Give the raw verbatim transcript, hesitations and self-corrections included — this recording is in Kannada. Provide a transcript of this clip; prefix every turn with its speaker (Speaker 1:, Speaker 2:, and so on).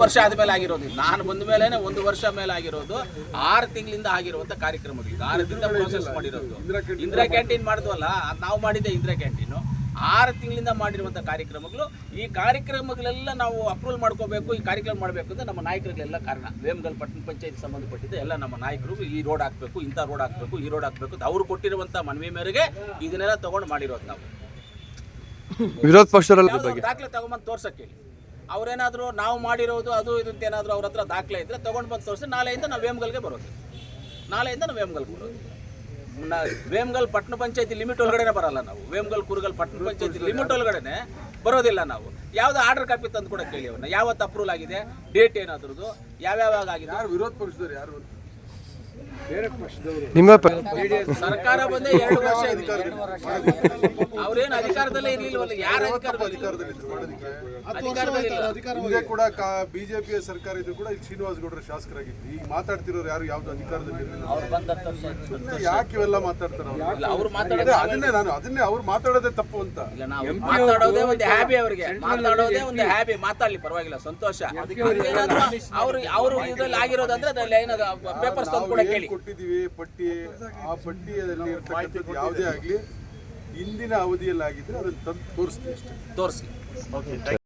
Speaker 1: ವರ್ಷ ಆದ್ಮೇಲೆ ಆಗಿರೋದು ನಾನು ಬಂದ ಮೇಲೆ ಒಂದು ವರ್ಷ ಮೇಲೆ ಆಗಿರೋದು ಆರು ತಿಂಗಳಿಂದ ಆಗಿರುವಂತ ಕಾರ್ಯಕ್ರಮಗಳು ಇದು ಆರು ತಿಂಗಳ ಪ್ರೋಸೆಸ್ ಮಾಡಿರೋದು ಇಂದಿರಾ ಕ್ಯಾಂಟೀನ್ ಮಾಡಿದ್ವಲ್ಲ ನಾವು ಮಾಡಿದ್ದೆ ಇಂದಿರಾ ಕ್ಯಾಂಟೀನು ಆರು ತಿಂಗಳಿಂದ ಮಾಡಿರುವಂಥ ಕಾರ್ಯಕ್ರಮಗಳು ಈ ಕಾರ್ಯಕ್ರಮಗಳೆಲ್ಲ ನಾವು ಅಪ್ರೂವಲ್ ಮಾಡ್ಕೋಬೇಕು ಈ ಕಾರ್ಯಕ್ರಮ ಮಾಡಬೇಕು ಅಂದರೆ ನಮ್ಮ ನಾಯಕರಿಗೆಲ್ಲ ಕಾರಣ ವೇಮಗಲ್ ಪಟ್ಟಣ ಪಂಚಾಯತ್ ಸಂಬಂಧಪಟ್ಟಿದ್ದ ಎಲ್ಲ ನಮ್ಮ ನಾಯಕರು ಈ ರೋಡ್ ಹಾಕಬೇಕು ಇಂಥ ರೋಡ್ ಹಾಕಬೇಕು ಈ ರೋಡ್ ಹಾಕಬೇಕು ಅವ್ರು ಕೊಟ್ಟಿರುವಂಥ ಮನವಿ ಮೇರೆಗೆ ಇದನ್ನೆಲ್ಲ ತೊಗೊಂಡು ಮಾಡಿರೋದು ನಾವು
Speaker 2: ವಿರೋಧ ಪಕ್ಷದಲ್ಲಿ
Speaker 1: ದಾಖಲೆ ತಗೊಂಬಂದು ತೋರ್ಸಕ್ಕೆ ಹೇಳಿ ಅವ್ರೇನಾದರೂ ನಾವು ಮಾಡಿರೋದು ಅದು ಇದು ಅಂತ ಏನಾದರೂ ಅವ್ರ ಹತ್ರ ದಾಖಲೆ ಇದ್ದರೆ ತೊಗೊಂಡು ಬಂದು ತೋರಿಸಿ ನಾಳೆಯಿಂದ ನಾವು ವೇಮಗಲ್ಗೆ ಬರೋದು ನಾಳೆಯಿಂದ ನಾವು ವೇಮಗಲ್ಗೆ ಬರೋದು ವೇಮಗಲ್ ಪಟ್ಟಣ ಪಂಚಾಯತಿ ಲಿಮಿಟ್ ಒಳಗಡೆ ಬರಲ್ಲ ನಾವು ವೇಮಗಲ್ ಕುರುಗಲ್ ಪಟ್ಟಣ ಪಂಚಾಯತಿ ಲಿಮಿಟ್ ಒಳಗಡೆ ಬರೋದಿಲ್ಲ ನಾವು ಯಾವ್ದು ಆರ್ಡರ್ ಕಾಪಿ ತಂದು ಕೂಡ ಕೇಳಿ ಅವ್ರನ್ನ ಯಾವತ್ತು ಅಪ್ರೂವಲ್ ಆಗಿದೆ ಡೇಟ್ ಏನಾದ್ರದ್ದು ಯಾವ್ಯಾವಾಗ ಆಗಿದೆ
Speaker 3: ವಿರೋಧ ಪಕ್ಷದವ್ರು ಯಾರು
Speaker 2: ನಿಮ್ಮ
Speaker 1: ಸರ್ಕಾರ ಬಂದೇ ಎರಡು ವರ್ಷ ಅವ್ರೇನು ಅಧಿಕಾರದಲ್ಲೇ ಇರ್ಲಿಲ್ವಲ್ಲ ಯಾರು
Speaker 3: ಹಿಂದೆ ಕೂಡ ಬಿಜೆಪಿಯ ಸರ್ಕಾರ ಇದ್ರು ಕೂಡ ಇಲ್ಲಿ ಶ್ರೀನಿವಾಸ ಗೌಡರ ಶಾಸಕರಾಗಿದ್ರು ಈಗ ಮಾತಾಡ್ತಿರೋರು ಯಾರು ಯಾವ್ದು ಅಧಿಕಾರದಲ್ಲಿ ಇರಲಿಲ್ಲ ಯಾಕೆ ಇವೆಲ್ಲ ಮಾತಾಡ್ತಾರೆ
Speaker 1: ಅವ್ರು ಮಾತಾಡೋದು
Speaker 3: ಅದನ್ನೇ ನಾನು ಅದನ್ನೇ ಅವ್ರು ಮಾತಾಡೋದೇ ತಪ್ಪು ಅಂತ
Speaker 1: ಮಾತಾಡೋದೇ ಒಂದು ಹ್ಯಾಬಿ ಅವರಿಗೆ ಮಾತಾಡೋದೇ ಒಂದು ಹ್ಯಾಬಿ ಮಾತಾಡ್ಲಿ ಪರವಾಗಿಲ್ಲ ಸಂತೋಷ ಅವ್ರು ಅವರು ಇದ್ರಲ್ಲಿ ಆಗಿರೋದಂದ್ರೆ ಪೇಪರ್ಸ್ ತಂದು ಕೂಡ ಕೇಳಿ
Speaker 3: ಕೊಟ್ಟಿದ್ದೀವಿ ಪಟ್ಟಿ ಆ ಪಟ್ಟಿಯಲ್ಲಿ ಇರ್ತಕ್ಕಂಥದ್ದು ಯಾವುದೇ ಆಗಲಿ ಇಂದಿನ ಅವಧಿಯಲ್ಲಿ ಆಗಿದ್ರೆ ಅದನ್ನು ತಂದು ತೋರಿಸ್ತೀವಿ ಅಷ್ಟೇ
Speaker 1: ತೋರಿಸಿ